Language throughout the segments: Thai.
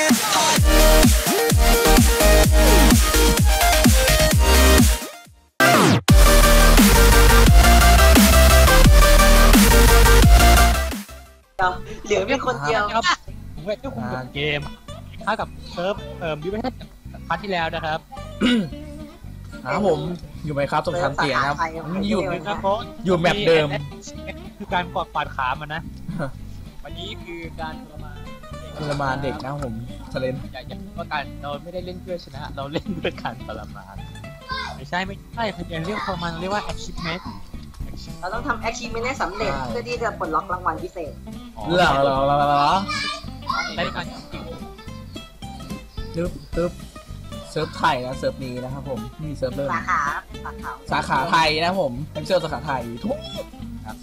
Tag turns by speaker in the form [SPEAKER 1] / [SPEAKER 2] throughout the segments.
[SPEAKER 1] เหลือเป็นคนเดียว
[SPEAKER 2] ครับผมเวทก็คุมเกมถ้ากับเซิร์ฟดิวิชั่นพาร์ทที่แล้วนะครับ
[SPEAKER 3] ครับผมอยู่ไหมครับสงครามเตียครับอยู่
[SPEAKER 2] นะครับ
[SPEAKER 3] อยู่แมปเดิม
[SPEAKER 2] คือการกอดปาดขามันนะวันนี้คือการ
[SPEAKER 3] ทรมานเด็กนะผมทะเลน
[SPEAKER 2] อย่างว่าการเราไม่ได้เล่นเพื่อชนะเราเล่นเพื่อการทรมานไม่ใช่พยายามเรียกทรมานเรียกว่า achievement
[SPEAKER 1] เราต้องทำ achievement ให้สำเร็จเพื่อที่จะปลดล็อกรางวัลพิเศษ
[SPEAKER 3] เหรอ
[SPEAKER 2] ได้การจริง
[SPEAKER 3] ตึ๊บเซิร์ฟไทยนะเซิร์ฟนี้นะครับผมมีเซิร์ฟเริ่มสาขาไทยนะผมเป็นเซิร์ฟสาขาไทยทุก
[SPEAKER 2] ครับ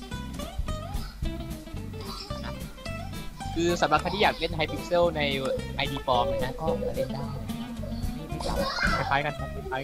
[SPEAKER 2] คือสำหรับใครที่อยากเล่นไฮพิกเซลใน ID ปลอมนะก็เล่นได้ไม่จับคล้ายๆกัน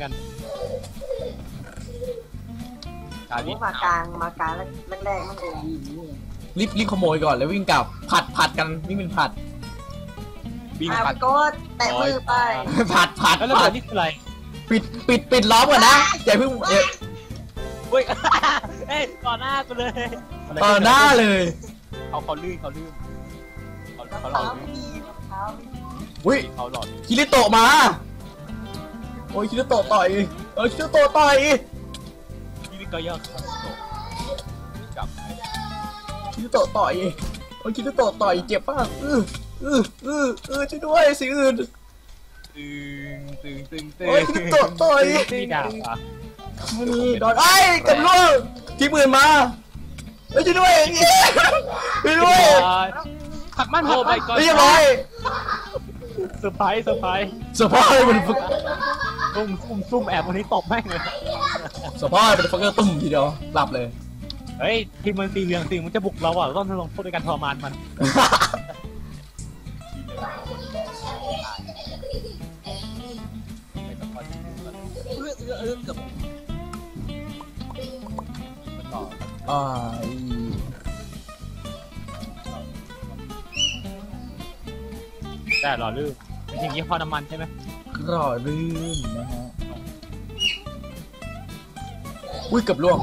[SPEAKER 1] มากลางแรกมันเอง
[SPEAKER 3] รีบขโมยก่อนแล้ววิ่งกลับผัดกันวิ่งเป็นผัด
[SPEAKER 1] วิ่งผัดก็แตะมือไป
[SPEAKER 3] ผัด
[SPEAKER 2] แล้วระเบิดนี่คืออะไร
[SPEAKER 3] ปิดล้อมก่อนนะอย่าเพิ่ง
[SPEAKER 2] เฮ้ยต่อหน้ากูเลย
[SPEAKER 3] ต่อหน้าเลย
[SPEAKER 2] เขาลื่นเขาหลอด
[SPEAKER 3] อุ้ย
[SPEAKER 2] เขาหลอด
[SPEAKER 3] คิริโตะมาโอ้ยคิริโตะต่อยคิริโตะต่อย
[SPEAKER 2] คิริโตะยอดจับ
[SPEAKER 3] คิริโตะต่อยคิริโตะต่อยเจ็บป่ะช่วยด้วยสิอื่น
[SPEAKER 2] ตึง
[SPEAKER 3] คิริโตะต่อย
[SPEAKER 2] นี่ดาบอ่ะ
[SPEAKER 3] นี่โดนกันลูกที่ปืนมาช่วยด้วย
[SPEAKER 2] ผักมันไปก่อน
[SPEAKER 3] เรียบร้อย
[SPEAKER 2] เซอร์ไพรส์
[SPEAKER 3] มัน
[SPEAKER 2] ซุ่มแอบวันนี้ตบแม่งเลย
[SPEAKER 3] เซอร์ไพรส์เป็นฟักเกอร์ตุ่มทีเดียวหลับเลย
[SPEAKER 2] เฮ้ยทีมมันสีเหลืองมันจะบุกเราอ่ะต้องลงโทษในการทรมานมันแต่หล่อลื่นเป็นสิ่งที่พอน้ำมันใช่ไหม
[SPEAKER 3] หล่อลื่นนะฮะอุ้ยกับล่วง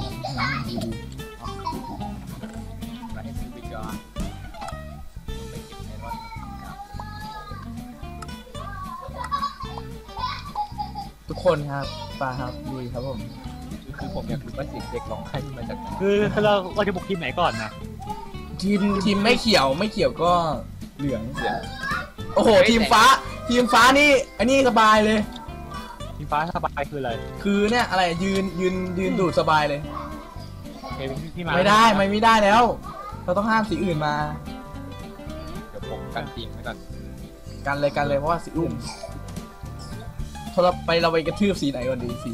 [SPEAKER 3] ทุกคนครับปาครับดีครับผม
[SPEAKER 2] คือผมอยากรู้ว่าเสียงเด็กร้องไห้มาจากไหนคือเราจะบุกทีมไหนก่อนนะ
[SPEAKER 3] ทีมไม่เขียวก็เหลืองโอ้โหทีมฟ้านี่อันนี้สบายเลย
[SPEAKER 2] ทีมฟ้าสบายคืออะไร
[SPEAKER 3] คือเนี่ยอะไรยืนดูดสบายเลยไม่ได้แล้วเราต้องห้ามสีอื่นมา
[SPEAKER 2] เดี๋ยวผมกันทีมไว้ก่อน
[SPEAKER 3] กันเลยเพราะว่าสีอื่นเราไปกระทืบสีไหนก่อนดีสี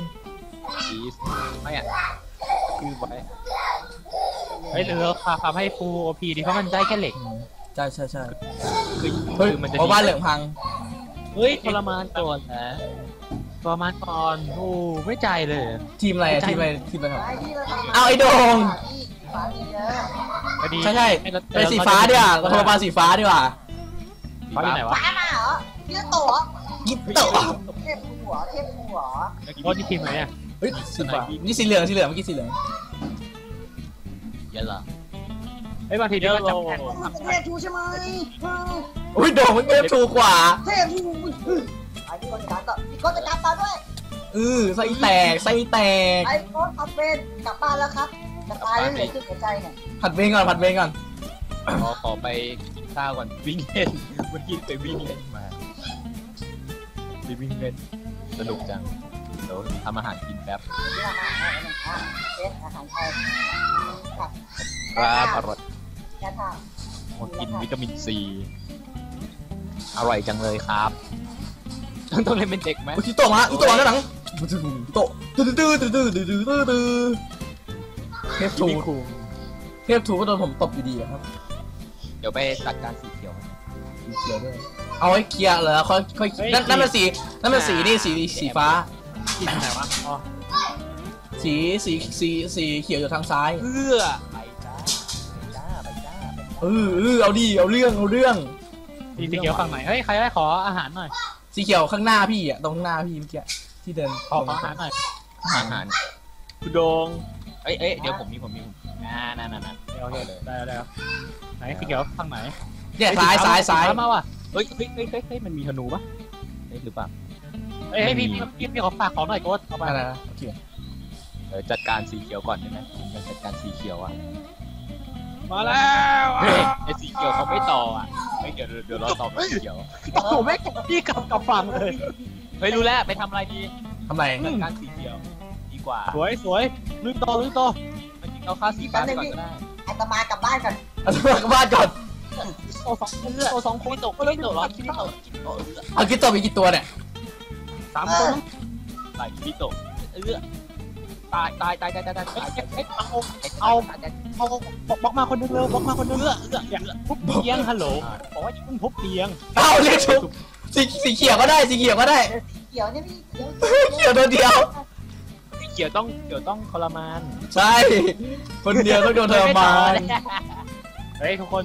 [SPEAKER 2] ไม่อ่ะคือไว้เฮ้ยเราทำให้ฟูโอพีดีเพราะมันได้แค่เหล็ก
[SPEAKER 3] ใช่
[SPEAKER 2] คือมันจะ
[SPEAKER 3] บ้านเหลืองพัง
[SPEAKER 2] เฮ้ยทรมานก่อนนะทรมานก่อนโอ้ไม่ใจเลย
[SPEAKER 3] ทีมอะไรครับเอาไอ้โด่งใช่เป็นสีฟ้าดีกว่าเราทรมานสีฟ้าดีกว่า
[SPEAKER 2] ฟ้าอยู่ไหนวะ
[SPEAKER 1] ฟ้ามาเหรอยิโตะเทพหัว
[SPEAKER 2] โอ้ที่ทีมไหนเนี่ย
[SPEAKER 3] เฮ้ยสีฟ้านี่สีเหลืองเมื่อกี้สีเหลือง
[SPEAKER 2] เยอะเหรอไอ้บางทีเดี๋ยวเรา
[SPEAKER 1] เทพทูใช่ไหม
[SPEAKER 3] โอ้ยโด่งมันเทพทูกว่า
[SPEAKER 1] เทพทูไอ้พี่คนจัดตาด้วย
[SPEAKER 3] ไส้แตก
[SPEAKER 1] ไอ้โค้ชผัดเวรกลับบ้านแล้วครับจะตายไม่เหลือหัวใจเนี่ย
[SPEAKER 3] ผัดเวรก่อน
[SPEAKER 2] ขอไปกินข้าวก่อนวิ่งเล่นเมื่อกี้ไปวิ่งเล่นมาวิ่งเล่นสนุกจังเดี๋ยวทำอาหารกินแป๊บ
[SPEAKER 1] อาหารไทย
[SPEAKER 2] ครับอร่อยกินวิตามินซีอร่อยจังเลยครับต้องเล่นเป็นเด็กไหม
[SPEAKER 3] ที่โตมาด้านหลังโตเทพทูก็โดนผมตบอยู่ดีครับ
[SPEAKER 2] เดี๋ยวไปจัดการสีเขียว
[SPEAKER 3] ด้วยเอาไว้เคลียร์เหรอค่อยนั่นมันสีนี่สีฟ้า
[SPEAKER 2] สีไหนวะ
[SPEAKER 3] สีเขียวอยู่ทางซ้าย
[SPEAKER 2] ไปจ้า
[SPEAKER 3] เอาดิเอาเรื่อง
[SPEAKER 4] สีเขียวฝั่งไหนเฮ้ยใครได้ขออาหารหน่อย
[SPEAKER 3] สีเขียวข้างหน้าพี่อ่ะตรงข้างหน้าพี่เมื่อกี้ที่เดิน
[SPEAKER 4] ขออาหารหน่อย
[SPEAKER 2] อาหารคุณโดงเอ้ยเดี๋ยวผมมีนั่น
[SPEAKER 4] โอเคได้แล้วไหนสีเขียวฝั่งไหน
[SPEAKER 3] เนี่ยซ้าย
[SPEAKER 4] มาว่ะ
[SPEAKER 2] เฮ้ยมันมีธนูปะหรือเปล่า
[SPEAKER 4] เฮ้ยพี่ขอฝากของหน่อยโค้ดเอาไป
[SPEAKER 3] อะไรนะโอเค
[SPEAKER 2] จัดการสีเขียวก่อนได้ไหมจัดการสีเขียวอ่ะ
[SPEAKER 4] มาแล้ว
[SPEAKER 2] ไอ้สีเขียวเขาไม่ต่ออ่ะไม่เดี๋ยวเราต่อสีเขียว
[SPEAKER 4] โอ้โหไม่พี่กลับฝั่งเลย
[SPEAKER 2] เฮ้ยรู้แล้วไปทำอะไรดี
[SPEAKER 3] ทำไร
[SPEAKER 2] จัดการสีเขียวดีกว่า
[SPEAKER 4] สวยลืมต่อ
[SPEAKER 2] จริงเราฆ่าสีฟ้าก่อนก็ได้
[SPEAKER 1] อาตมากลับบ้านกัน
[SPEAKER 3] เอากลับบ้านก่อน
[SPEAKER 4] โอ้สองคน
[SPEAKER 2] คิดโตร้อนคิดโต
[SPEAKER 3] เอาคิดตัวมีกี่ตัวเนี่ย
[SPEAKER 4] 3 คน
[SPEAKER 2] ตายคิดโตตาย
[SPEAKER 4] เอาบล็อกมาคนนึงเร็วบล็อกมาคนนึงอย่าทุบเตียงฮัลโหลบอกว่าอย่าเพิ่งทุบเตียง
[SPEAKER 3] เอาเรียกชุบสีเขียวก็ได้สีเขียวก็ได้
[SPEAKER 1] เขียวเนี่ยพี่เขียว
[SPEAKER 3] เขียวตัวเดียว
[SPEAKER 2] สีเขียวต้องทรมาน
[SPEAKER 3] ใช่คนเดียวต้องโดนทรมาน
[SPEAKER 4] เฮ้ยทุกคน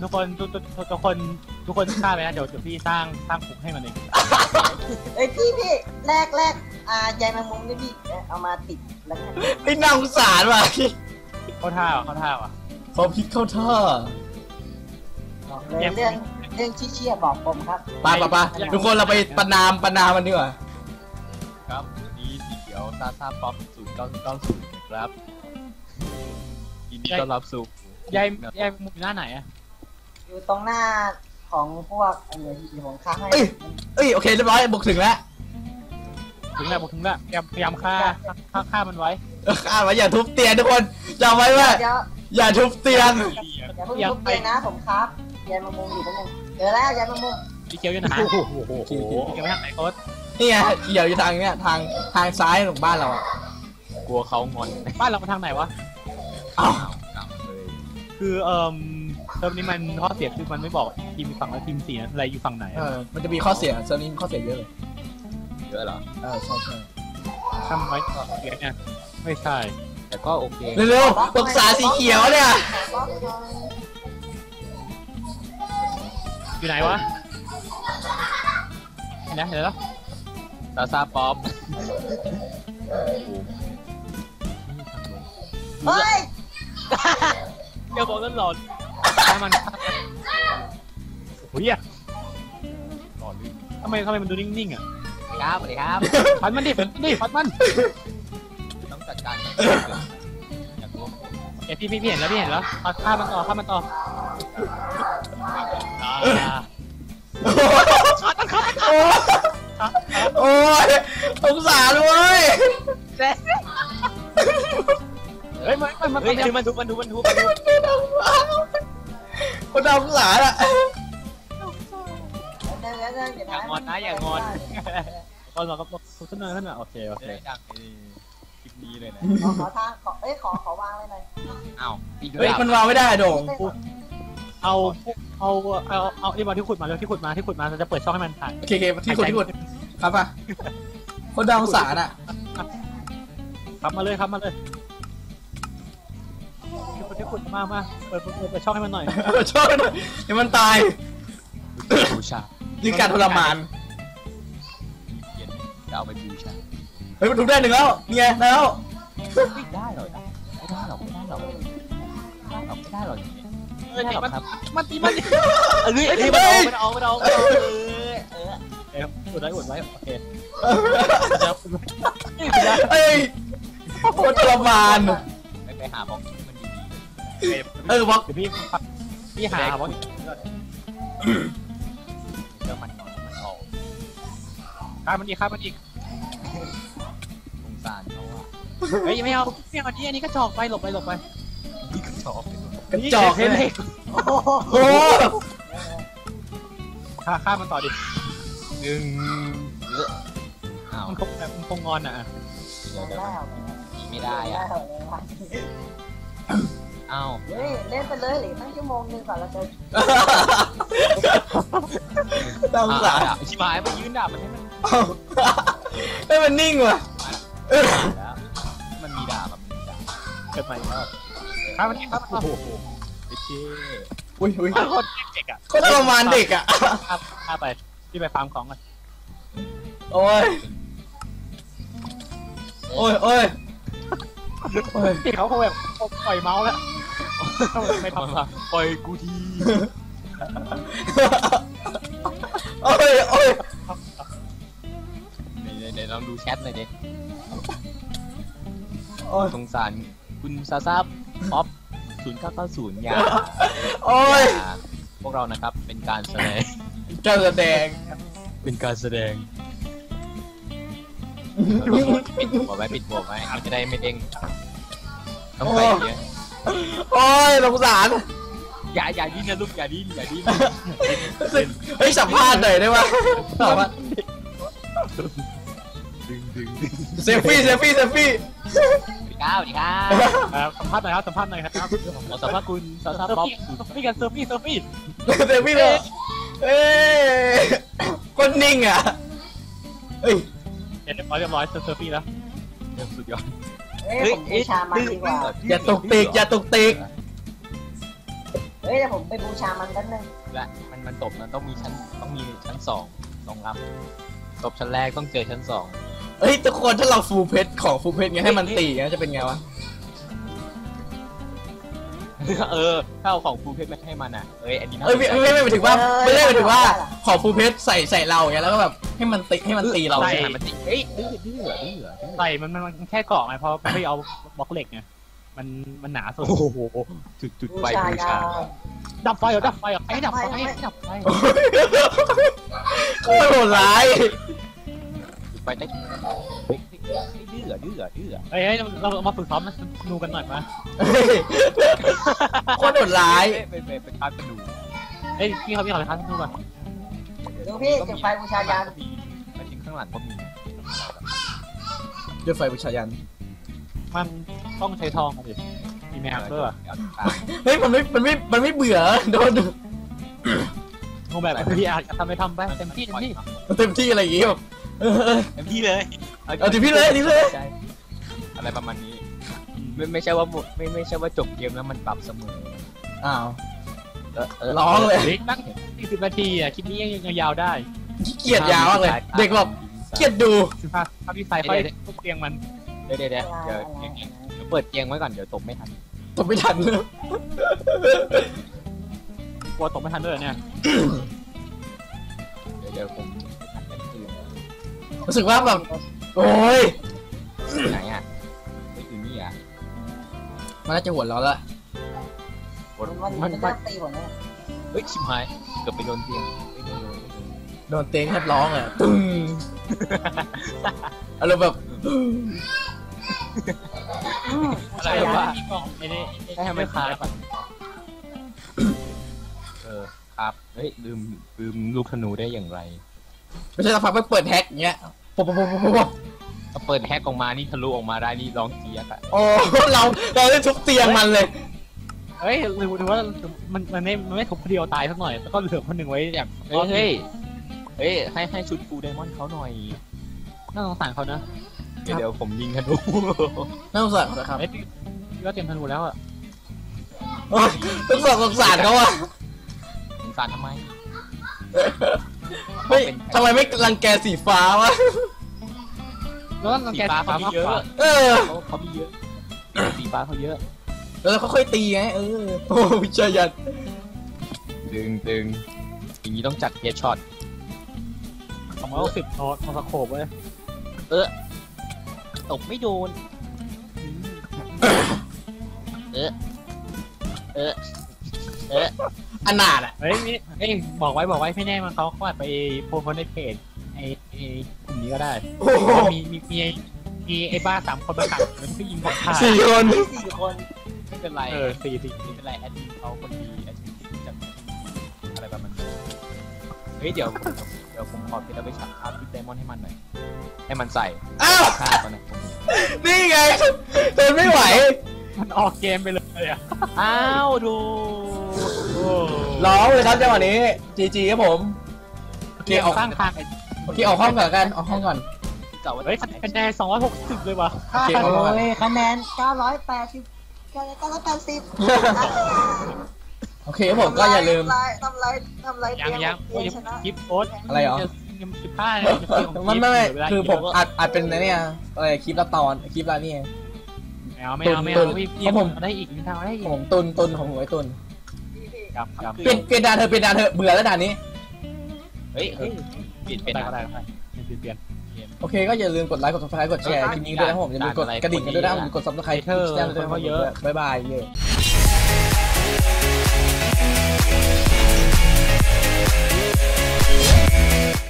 [SPEAKER 4] ฆ่าไปนะเดี๋ยวพี่สร้างคุกให้มันเอง
[SPEAKER 1] เอ้ยพี่แรกใยแมงมุมนี่พี่เอามาติดแล้วกัน
[SPEAKER 3] ไอ้น่าสงสารว่ะ
[SPEAKER 4] เข้าท่าว่ะ
[SPEAKER 3] เขาพิษเข้าท่า
[SPEAKER 1] บอกเลยเรื่องชี้เชี่ยบอกผมครับ
[SPEAKER 3] ไปทุกคนเราไปประนามมันดีกว่า
[SPEAKER 2] ครับนี่สีเขียวซาป๊อป0990นะครับยินดีต้อนรับสู่
[SPEAKER 4] ยายมุมหน้าไหนอะ
[SPEAKER 1] อยู่ตรงหน้าของพวกอะไรที่ผมค้างให้
[SPEAKER 3] เอ้ยโอเคเรียบร้อยบุกถึงแล้ว
[SPEAKER 4] ถึงแล้วพยายามฆ่ามันไว้
[SPEAKER 3] อ่านว่าอย่าทุบเตียงทุกคนจำไว้ว่า
[SPEAKER 1] เดี๋ยว
[SPEAKER 3] อย่าทุบเตียง
[SPEAKER 1] อย่าเพิ่งทุบเตียงนะผมครับใยแมงมุมอยู่ตรงนึงเจอแล้วใยแมงมุม
[SPEAKER 4] สีเขียวอยู่ไหนสีเขียวไปทางไหนโค้ด
[SPEAKER 3] นี่ไงเขียวอยู่ทางเนี้ยทางซ้ายของบ้านเราอ่ะ
[SPEAKER 2] กลัวเขางอน
[SPEAKER 4] บ้านเราไปทางไหนวะ
[SPEAKER 3] อ้าว
[SPEAKER 2] กลับเลย
[SPEAKER 4] คือเทอมนี้มันข้อเสียคือมันไม่บอกทีมฝั่งและทีมสีอะไรอยู่ฝั่งไหน
[SPEAKER 3] มันจะมีข้อเสียเซอร์นี้มีข้อเสียเยอะเลย
[SPEAKER 2] เยอะเหรอ
[SPEAKER 3] ใช่
[SPEAKER 4] ทำไว้ก่อนเสียเนี่ยไม่ใช่
[SPEAKER 2] แต่ก็โอเค
[SPEAKER 3] เร็วๆปรึกษาสีเขียวเนี่ย
[SPEAKER 4] อยู่ไหนวะเห็นนะเดี๋ยวแล้ว
[SPEAKER 2] ซาป๊อป
[SPEAKER 1] เฮ้ย
[SPEAKER 2] เดี๋ยวบอกนั่นหลอน
[SPEAKER 4] ฆ่ามันโอ้ย
[SPEAKER 2] หลอนลื่น
[SPEAKER 4] ทำไมมันดูนิ่งๆอ่ะ
[SPEAKER 2] ครับสวัสดีครับ
[SPEAKER 4] ฟันมันดิฟันมัน
[SPEAKER 2] ต้องจัดการอยากรู้
[SPEAKER 4] พี่เห็นแล้วฆ่ามันต่อ
[SPEAKER 3] โอ้ยสงสารเว้ย
[SPEAKER 4] เฮ้ยมัน
[SPEAKER 2] มันทุบ
[SPEAKER 3] คนน่าสงสารอ่ะ
[SPEAKER 2] อย่างอนนะอย่างอน
[SPEAKER 4] ก่อนเราก็ขึ้นมาโอเค
[SPEAKER 2] จะได้ดังในคลิปนี้เลยนะ
[SPEAKER 1] ขอทางขอวางเลยหน่อย
[SPEAKER 2] อ้าว
[SPEAKER 3] เฮ้ยมันวางไม่ได้โด่ง
[SPEAKER 4] เอาไอ้บอลที่ขุดมาที่ขุดมาเราจะเปิดช่องให้มันผ่าน
[SPEAKER 3] โอเคที่ขุดครับป่ะคนน่าสงสารอ่ะ
[SPEAKER 4] ครับมาเลยที่ขุดมาเปิดช่องให้มันหน่อย
[SPEAKER 3] ชอบหน่อยให้มันตาย
[SPEAKER 2] บูชา
[SPEAKER 3] นี่การทรมาน
[SPEAKER 2] เย็นจะเอาไปบูชา
[SPEAKER 3] เฮ้ยมันทุบได้หนึ่งแล้วนี่ไงแล้ว
[SPEAKER 2] ไม่ได้หรอกนะไม่ได้หรอกอย่างนี้ไม่ได้หรอกครับ
[SPEAKER 4] มันตี
[SPEAKER 2] มันเอา
[SPEAKER 4] อุดไว้โอเค
[SPEAKER 3] เอ้ยโคตรทรมาน
[SPEAKER 2] ไปหาบล็อกที่มันดี
[SPEAKER 3] บล็อก
[SPEAKER 4] เดี๋ยวพี่หาบอล
[SPEAKER 2] เดี๋ยวมันออก
[SPEAKER 4] ฆ่ามันอีก
[SPEAKER 2] สงสารเขาอ่ะ
[SPEAKER 4] เฮ้ยไม่เอาอันนี้ก็จอกไปหลบไป
[SPEAKER 2] นี่ก็ชอบ
[SPEAKER 3] กระจอกเลย โอ้
[SPEAKER 4] ฆ่ามันต่อดิ
[SPEAKER 2] อ้าว
[SPEAKER 4] มันคงงอนอ่ะ
[SPEAKER 2] เดี๋ยวไม่ได้อ่ะอ้าว
[SPEAKER 1] เล่นไปเลยหรือตั้งชั่วโมงนึงก่อนเราจะ
[SPEAKER 3] น่าสงสาร
[SPEAKER 2] ชิบหายไปยืนด่ามันให้มัน
[SPEAKER 3] ให้มันนิ่งว่ะ
[SPEAKER 2] แล้วมันมีด่าแบบมีด่า
[SPEAKER 4] เกิดใหม่ครับฆ่ามัน
[SPEAKER 2] โอ้โหไอ้เจ้
[SPEAKER 3] อุ้ย
[SPEAKER 4] โคตรเด็กอ่ะ
[SPEAKER 3] ก็ทรมานเด็กอ่ะ
[SPEAKER 4] ข้าไปที่ไปฟาร์มของกัน
[SPEAKER 3] โอ้ยโอ้ย
[SPEAKER 4] ที่เขาแบบปล่อยเมาส์แล้วไม่ทำละ
[SPEAKER 2] ปล่อยกูที
[SPEAKER 3] โอ้ย
[SPEAKER 2] เดี๋ยวลองดูแชทหน่อยดิ
[SPEAKER 3] โอ้ย
[SPEAKER 2] สงสารคุณซาซาป๊อป0990อย่า
[SPEAKER 3] โอ้ย
[SPEAKER 2] อย่าพวกเรานะครับเป็นการแสดง
[SPEAKER 3] การแสดง
[SPEAKER 2] เป็นการแสดงปิดหัวไว้มันจะได้ไม่เด้งต้องใส่เยอะ
[SPEAKER 3] โอ้ยสงสาร
[SPEAKER 2] อย่าดิ้นนะลูกอย่าดิ้น
[SPEAKER 3] เฮ้ยสัมภาษณ์หน่อยได้ไหมสัมภาษณ์
[SPEAKER 2] ดึง
[SPEAKER 3] เซลฟี่
[SPEAKER 2] สวัสดีครับ
[SPEAKER 4] สัมภาษณ์หน่อยครับสัมภาษณ์หน่อยครับ
[SPEAKER 2] ขอสัมภาษณ์คุณซาซา
[SPEAKER 4] เซอร์
[SPEAKER 2] ป๊อป
[SPEAKER 4] ฟี่กันเซอร์ฟี่
[SPEAKER 3] เซลฟี่เลยเอ้ยคนนิ่งอ่ะเฮ้ย
[SPEAKER 4] เรียบร้อยเซอร์ฟี่แล้ว
[SPEAKER 2] สุดยอด
[SPEAKER 1] เฮ้ยผมบูชามันดีกว่า
[SPEAKER 3] อย่าตกติก
[SPEAKER 1] เฮ้ยเดี๋ยวผมไปบูชามันกันนึง
[SPEAKER 2] และมันตบนะต้องมีชั้น2ลำตบชั้นแรกต้องเจอชั้น2
[SPEAKER 3] เฮ้ยทุกคนถ้าเราฟูลเพชรของฟูลเพชรไงให้มันตีนะจะเป็นไงวะ
[SPEAKER 2] ถ้าเอาของฟูเพชรมาให้มันอ่ะอันนี้
[SPEAKER 3] เอ้ยไม่หมายถึงว่าไม่ได้หมายถึงว่าของฟูลเพชรใส่เราอย่างเงี้ยแล้วก็แบบให้มันตีเรา
[SPEAKER 2] ใช่
[SPEAKER 3] ใช่ไหม
[SPEAKER 2] มันติดื้อ
[SPEAKER 4] ใส่มันแค่เกาะไงเพราะไม่เอาบล็อกเหล็กไงมันหนาสุด
[SPEAKER 2] โอ้โหจุด
[SPEAKER 1] บู
[SPEAKER 2] ไฟ
[SPEAKER 1] ชา
[SPEAKER 2] บู
[SPEAKER 1] ยา
[SPEAKER 2] ชา
[SPEAKER 4] ดับไฟให้ดับไฟ
[SPEAKER 3] โคตรโหดร้าย
[SPEAKER 2] จุดไฟได้ดื้อ
[SPEAKER 4] เฮ้ยเรามาฝึกซ้อมนูกันหน่อยมา
[SPEAKER 3] โคตรโหดร้าย
[SPEAKER 2] เป็นการกระดูก
[SPEAKER 4] เฮ้ยพี่เขาไปท้านูก่อน
[SPEAKER 1] ดูพี่จุดไฟบูชายาน
[SPEAKER 2] มาถึงข้างหลังก็มี
[SPEAKER 3] ด้วยไฟบูชายัน
[SPEAKER 4] มันต้องใช้ทองดิมีแมวด้วย
[SPEAKER 3] เฮ้ยมันไม่เบื่อโดน
[SPEAKER 4] คงแบบพี่อาจจะทำไปไปเต็มที่
[SPEAKER 3] เต็มที่อะไรอย่างงี้แบบ
[SPEAKER 2] เต็มที่เลย
[SPEAKER 3] เอาทีพี่เลย
[SPEAKER 2] อะไรประมาณนี้ไม่ใช่ว่าหมดไม่ใช่ว่าจบเกมแล้วมันปรับเสมอ
[SPEAKER 3] อ้าวร้องเลย
[SPEAKER 4] นั่ง40 นาทีอ่ะคลิปนี้ยังยาวได้
[SPEAKER 3] ขี้เกียจยาวมากเลยเด็กแบบเกียจดู
[SPEAKER 4] ถ้าพี่ไฟค่อยทุบเตียงมัน
[SPEAKER 2] เดี๋ยวเปิดเตียงไว้ก่อนเดี๋ยวตบไม่ทัน
[SPEAKER 3] ตบไม่ทัน
[SPEAKER 4] กลัวตกไม่ทันด้วยเนี่ย
[SPEAKER 2] เดี๋ยวผม
[SPEAKER 3] รู้สึกว่าแบบโอ้ย
[SPEAKER 2] ไหนอ่ะไม่อยู่นี่อ่ะ
[SPEAKER 3] มันน่าจะหัวเราะแล้ว
[SPEAKER 1] มันจะตีผมนะ
[SPEAKER 2] เฮ้ยชิบหายเกือบไปโดนเตียงไม่โดน
[SPEAKER 3] โดนเต็งแทบร้องอ่ะตึ้งอารมณ์แบบ
[SPEAKER 2] อะไรวะ
[SPEAKER 4] ให้ทำไม่คาด
[SPEAKER 2] ครับเฮ้ยลืมลูกธนูได้อย่างไร
[SPEAKER 3] ไม่ใช่สักพักไปเปิดแฮกอย่างเงี้ยปุ๊บ
[SPEAKER 2] ถ้าเปิดแฮกออกมานี่ทะลุออกมาได้นี่ร้องเจี๊ยกอะ
[SPEAKER 3] โอ้เราได้ทุบเตียงมันเลย
[SPEAKER 4] เฮ้ยหรือว่ามันไม่ทุบคนเดียวตายสักหน่อยแล้วก็เหลือคนหนึ่งไว้อย่าง
[SPEAKER 2] เฮ้ยให้ชุดฟูไดมอนด์เขาหน่อย
[SPEAKER 4] น่าสงสารเขานะ
[SPEAKER 2] เดี๋ยวผมยิงธนู
[SPEAKER 3] น่าสงสารนะครับ
[SPEAKER 4] เฮ้ยพี่ก็เตรียมธนูแล้วอ่ะ
[SPEAKER 3] ต้องสงสารเขาอ่ะ
[SPEAKER 2] สงสารทำไม
[SPEAKER 3] เฮ้ยทำไมไม่รังแกสีฟ้าวะ
[SPEAKER 4] แล้วก็แก
[SPEAKER 2] เขามีเยอะ เขามีเยอะสีฟ้าเขาเยอะ
[SPEAKER 3] แล้วเขาค่อยตีไงโอ้วิจายัน
[SPEAKER 2] ตึงอย่างนี้ต้องจัดเฮดช็อต
[SPEAKER 4] 260โน้ตมาสโคปเลย
[SPEAKER 2] ตกไม่โดน
[SPEAKER 3] อนาถอ่ะ
[SPEAKER 4] เฮ้ยบอกไว้ไม่แน่มันเขาอาจไปโพสในเพจไอ้กลุ่มนี้ก็ได้
[SPEAKER 3] โอ้โห
[SPEAKER 4] มีไอ้บ้า3 คนมาขัดมันก็ยิงผมขาด
[SPEAKER 3] 4 คน
[SPEAKER 1] 4 คน
[SPEAKER 2] ไม่เป็นไร
[SPEAKER 4] 4
[SPEAKER 2] ไม่เป็นไรแอดมินเขาคนดีแอดมินจัดอะไรประมาณนี้เฮ้ยเดี๋ยวผมขอพี่เราไปฉากภาพพี่ไดมอนด์ให้มันหน่อยให้มันใส่
[SPEAKER 3] อ้าว
[SPEAKER 2] ฆ่าก่อนนะ
[SPEAKER 3] นี่ไงทนไม่ไหว
[SPEAKER 4] มันออกเกมไปเลยอ่ะ
[SPEAKER 2] อ้าวดู
[SPEAKER 3] ร้องเลยครับจังหวะนี้จีครับผม
[SPEAKER 4] เกมสร้างทาง
[SPEAKER 3] ออกห้องก่อนกันออกห้องก่อน
[SPEAKER 2] เก่าว่า
[SPEAKER 4] เฮ้ยคะแนน260เลยว่ะ
[SPEAKER 3] โอเคเอาก่อน
[SPEAKER 1] โอ้ยคะแนน980 980
[SPEAKER 3] โอเคครับผมก็อย่าลืม
[SPEAKER 1] ทำไร
[SPEAKER 4] ยัง
[SPEAKER 1] เตียงชนะ
[SPEAKER 4] คลิปโอ๊ต
[SPEAKER 3] อะไรเหรอ
[SPEAKER 4] ยัง15เลย
[SPEAKER 3] ไม่คือผมอัดเป็นเนี่ยอะไรคลิปละตอนคลิปละนี่
[SPEAKER 4] ไม่เอาพี่ได้อีกนิดทางได้อีก
[SPEAKER 3] ผมตุนของหวยตุน
[SPEAKER 4] จำ
[SPEAKER 3] เปลี่ยนด่านเธอเปลี่ยนด่านเธอเบื่อแล้วด่านนี้
[SPEAKER 2] เฮ้ยเปลี่ยนเป็น
[SPEAKER 4] ได้
[SPEAKER 2] นะ
[SPEAKER 4] เปลี่ยน
[SPEAKER 3] โอเคก็อย่าลืมกดไลค์กด subscribe กดแชร์คลิปนี้ด้วยนะครับผมอย่าลืมกดกระดิ่งกันด้วยนะครับผมกด subscribe ที่ช่องด้วยเยอะบ๊ายบายเย้